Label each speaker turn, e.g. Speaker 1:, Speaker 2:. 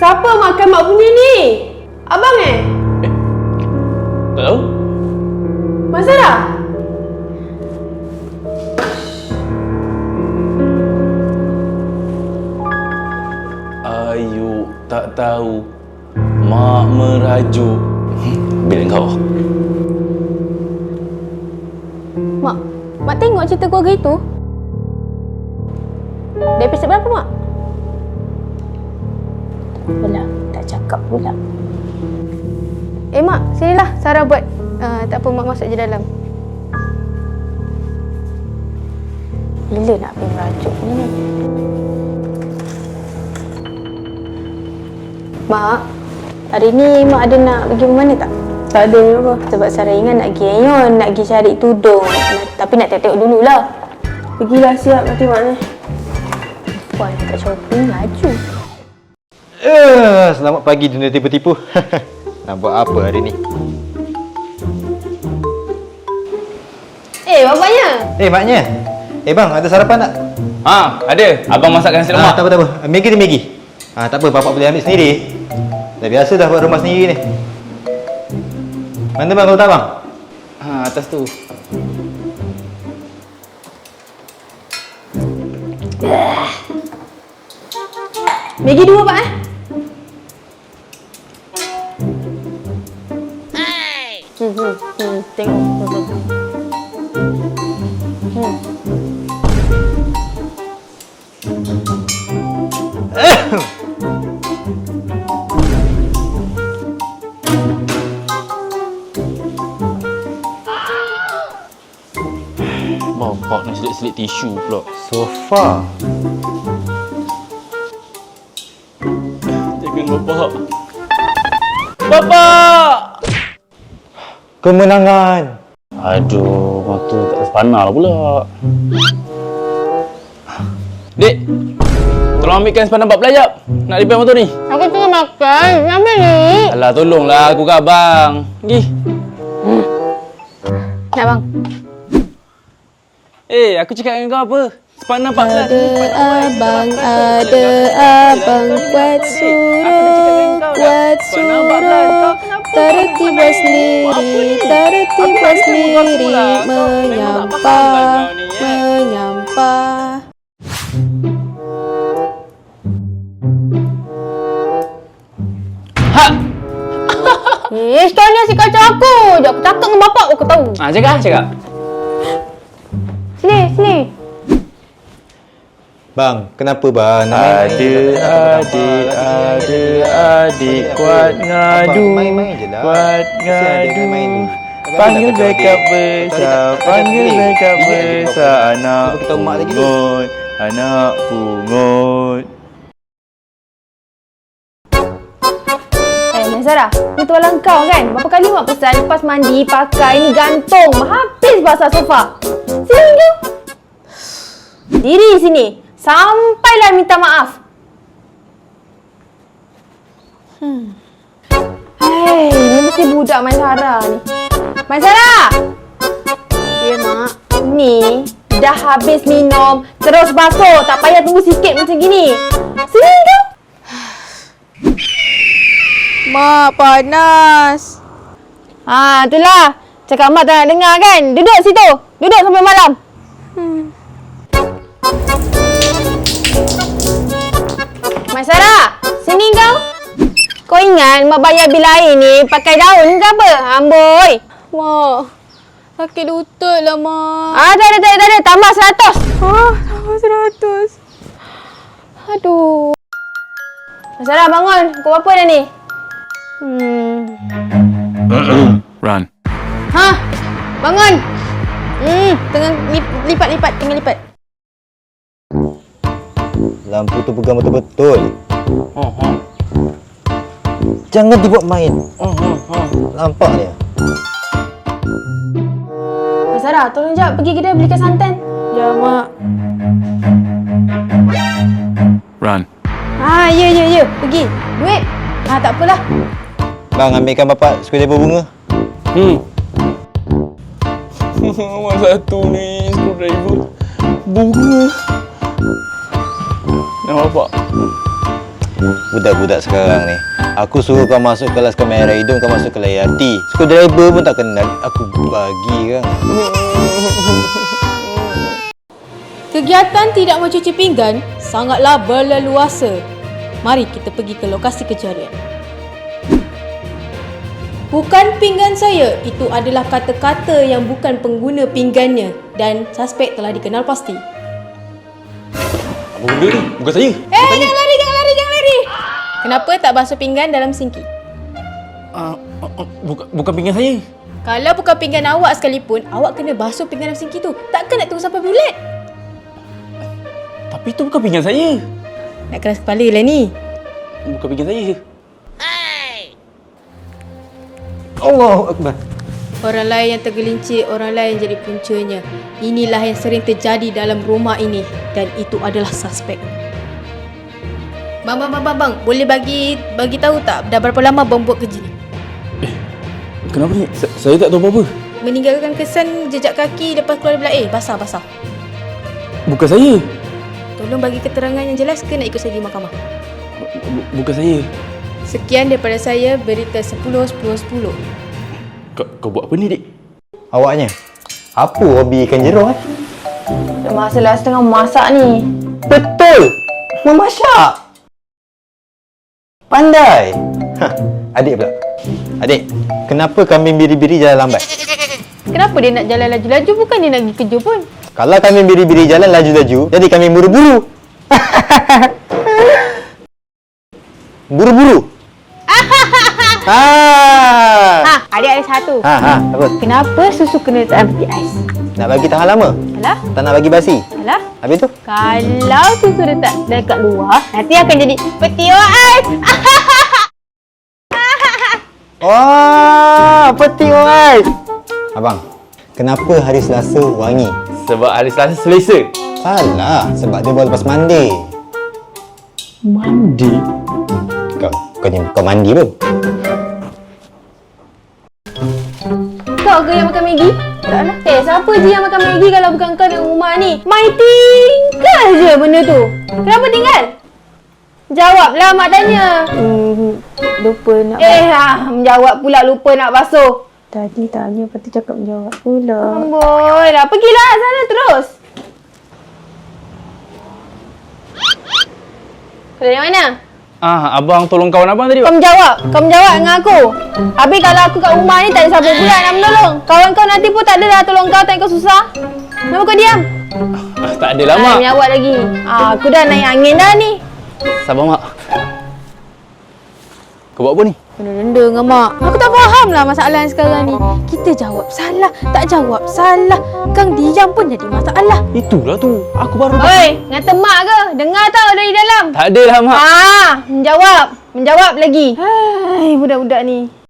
Speaker 1: Siapa makan mak punya ni? Abang
Speaker 2: Tak tahu.
Speaker 1: Mak Sarah?
Speaker 2: Ayu tak tahu. Mak merajuk. Bila kau?
Speaker 1: Mak tengok cerita keluarga itu? Dari episod berapa, Mak?
Speaker 3: Apalah, tak cakap pula.
Speaker 1: Mak, sinilah Sarah buat. Tak apa, Mak masuk je dalam.
Speaker 3: Bila nak pergi merajuk ni? Mak, hari ni Mak ada nak pergi mana tak?
Speaker 1: Tak ada apa.
Speaker 3: Sebab Sarah ingat nak pergi Ayon, nak pergi cari tudung. Tapi nak tengok dululah.
Speaker 1: Pergilah siap nanti Mak ni.
Speaker 3: Puan kat shopping laju.
Speaker 4: Selamat pagi dunia tipu-tipu. Nak buat apa hari ni?
Speaker 1: Bapaknya.
Speaker 4: Maknya. Bang, ada sarapan tak?
Speaker 2: Ada. Abang masakkan nasi lemak.
Speaker 4: Tak apa. Maggi ni Maggi. Tak apa, bapak boleh ambil sendiri. Dah biasa dah buat rumah sendiri ni. Mana bang kalau tak bang?
Speaker 2: Atas tu.
Speaker 1: Maggi 2 Pak Tengok.
Speaker 2: Bapak nak selit-selit tisu pula.
Speaker 4: Sofa.
Speaker 2: Jangan bapak. Bapak!
Speaker 4: Kemenangan.
Speaker 2: Aduh, mata tak sepanar pula. Dek, tolong ambilkan sepanar 14 jap. Nak repair motor ni.
Speaker 1: Aku tengah makan. Ambil ni.
Speaker 2: Alah, tolonglah aku kat abang. Pergi.
Speaker 1: Nak bang.
Speaker 2: Aku cakap dengan kau apa? Sepanar 14.
Speaker 3: Ada abang buat suruh, tertiba sendiri, menyampah.
Speaker 1: Sekarang ni asyik kacau aku je. Aku cakap dengan bapak aku tahu.
Speaker 2: Cakap.
Speaker 1: Sini.
Speaker 4: Bang, kenapa bang?
Speaker 2: Adik kuat ngadu.
Speaker 4: Main je lah.
Speaker 2: Kuat ngadu. Panggil backup besar, anak pungut.
Speaker 1: Mak Sarah, ni tualang kau kan? Berapa kali Mak pesan lepas mandi pakai ni gantung. Habis basah sofa. Sini tu. Diri sini. Sampailah minta maaf. Ni mesti budak Mak Sarah ni. Mak Sarah!
Speaker 3: Ya, Mak.
Speaker 1: Ni dah habis minum, terus basuh. Tak payah tunggu sikit macam gini. Sini tu.
Speaker 3: Mak, panas.
Speaker 1: Itulah. Cakap Mak tak nak dengar kan? Duduk situ. Duduk sampai malam. Mak Sarah, sini kau. Kau ingat Mak bayar bil air ni pakai daun ke apa? Amboi.
Speaker 3: Mak, sakit lutut lah, Mak.
Speaker 1: Tak ada. Tambah 100.
Speaker 3: Tambah 100.
Speaker 1: Aduh. Mak Sarah, bangun. Kau apa dah ni?
Speaker 2: Run.
Speaker 1: Bangun. Tengah lipat. Tengah lipat.
Speaker 4: Lampu tu pegang betul-betul. Jangan dibuat main. Nampak dia.
Speaker 1: Mak Sarah, tolong jap pergi kedai belikan santan.
Speaker 3: Ya, Mak.
Speaker 2: Run.
Speaker 1: Ya. Pergi. Duit. Tak apalah.
Speaker 4: Bang, ambilkan bapak screwdriver bunga.
Speaker 2: Awak satu ni screwdriver bunga. Nak bapak.
Speaker 4: Budak-budak sekarang ni. Aku suruh kau masuk kelas kamera hidung, kau masuk kelas IRT. Screwdriver pun tak kenal. Aku bagi kan.
Speaker 5: Kegiatan tidak mencuci pinggan sangatlah berleluasa. Mari kita pergi ke lokasi kejadian. Bukan pinggan saya, itu adalah kata-kata yang bukan pengguna pinggannya dan suspek telah dikenal pasti.
Speaker 2: Apa benda ni? Bukan saya.
Speaker 5: Jangan lari. Kenapa tak basuh pinggan dalam sinki?
Speaker 2: Bukan pinggan saya.
Speaker 5: Kalau bukan pinggan awak sekalipun, awak kena basuh pinggan dalam sinki tu. Takkan nak tunggu sampai bulat?
Speaker 2: Tapi itu bukan pinggan saya.
Speaker 5: Nak keras kepala lah ni.
Speaker 2: Bukan pinggan saya.
Speaker 4: Allahu Akbar.
Speaker 5: Orang lain yang tergelincir, orang lain jadi puncanya. Inilah yang sering terjadi dalam rumah ini dan itu adalah suspek. Bang, boleh bagi tahu tak dah berapa lama bang buat kerja ni?
Speaker 2: Kenapa ni? Saya tak tahu apa-apa.
Speaker 5: Meninggalkan kesan jejak kaki lepas keluar dari bilik basah.
Speaker 2: Bukan saya.
Speaker 5: Tolong bagi keterangan yang jelas ke nak ikut saya di mahkamah.
Speaker 2: Bukan saya.
Speaker 5: Sekian daripada saya, berita 10-10-10.
Speaker 2: Kau buat apa ni, Dik?
Speaker 4: Awaknya. Apa hobi ikan jerung
Speaker 1: Dah masalah setengah masak ni.
Speaker 4: Betul. Memasak. Pandai. Adik pula. Adik, kenapa kambing biri-biri jalan lambat?
Speaker 1: Kenapa dia nak jalan laju-laju? Bukan dia nak pergi kerja pun.
Speaker 4: Kalau kambing biri-biri jalan laju-laju, jadi kambing buru-buru. Buru-buru.
Speaker 1: Adik ada satu.
Speaker 4: Apa?
Speaker 1: Kenapa susu kena letak peti ais?
Speaker 4: Nak bagi tahan lama?
Speaker 1: Alah,
Speaker 4: Tak nak bagi basi?
Speaker 1: alah.
Speaker 4: Habis tu?
Speaker 1: Kalau susu letak dekat luar, nanti akan jadi peti ais.
Speaker 4: Wah, peti ais. Abang, kenapa hari Selasa wangi?
Speaker 2: Sebab hari Selasa selesa.
Speaker 4: Salah, sebab dia baru lepas mandi.
Speaker 2: Mandi?
Speaker 4: Kau mandi pun?
Speaker 1: Kau ke yang makan Maggi? Taklah. Siapa je yang makan Maggi kalau bukan kau dalam rumah ni? Mai tinggal je benda tu. Kenapa tinggal? Jawablah mak tanya.
Speaker 3: Lupa nak
Speaker 1: Menjawab pula lupa nak basuh.
Speaker 3: Tadi tanya, lepas tu cakap menjawab pula.
Speaker 1: Amboi lah. Pergilah sana terus. Kau dari mana?
Speaker 2: Abang tolong kawan abang tadi,
Speaker 1: Kau
Speaker 2: Pak.
Speaker 1: menjawab dengan aku. Habis kalau aku kat rumah ni tak ada siapa pula nak menolong. Kawan kau nanti pun tak ada dah tolong kau, tak kau susah. Kenapa kau diam?
Speaker 2: Tak ada lah, Mak.
Speaker 1: Menjawab lagi. Aku dah naik angin dah ni.
Speaker 2: Sabar, Mak. Kau buat apa ni?
Speaker 5: Benda-benda dengan mak. Aku tak faham lah masalah yang sekarang ni. Kita jawab salah, tak jawab salah. Kang diam pun jadi masalah.
Speaker 2: Itulah tu. Aku baru...
Speaker 1: Oi, ngata mak ke? Dengar tau dari dalam.
Speaker 2: Tak ada lah, Mak.
Speaker 1: Menjawab lagi. Hai, budak-budak ni.